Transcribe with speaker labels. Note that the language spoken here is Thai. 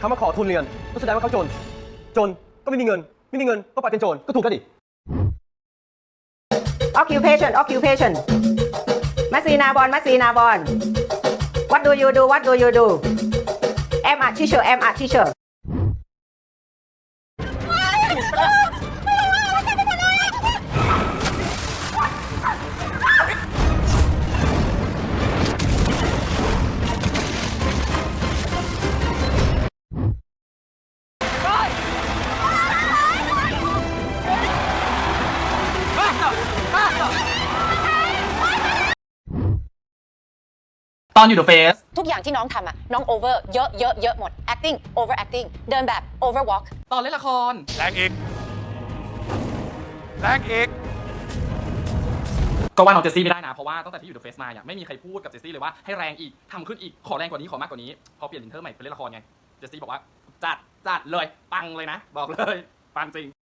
Speaker 1: เขามาขอทุนเรียนก็แสดงว่าเขาจนก็ไม่มีเงินก็ไปเป็นโจรก็ถูกแล้วดิ
Speaker 2: occupation มัสซีนาบอลwhat do you do am a teacher
Speaker 3: ตอนอยู่ The Face
Speaker 4: ทุกอย่างที่น้องทำอะน้อง over เยอะหมด acting over acting เดินแบบ over walk
Speaker 3: ตอนเล่นละคร
Speaker 5: แรงอีก
Speaker 3: ก็ว่าน้องเจสซี่ไม่ได้นะ เพราะว่าตั้งแต่ที่อยู่ The Face มาเนี่ยไม่มีใครพูดกับเจสซี่เลยว่าให้แรงอีกทำขึ้นอีกขอแรงกว่านี้ขอมากกว่านี้พอเปลี่ยนอินเทอร์ใหม่ไปเล่นละครไงเจสซี่บอกว่าจัดเลยปังเลยนะบอกเลยปังจริง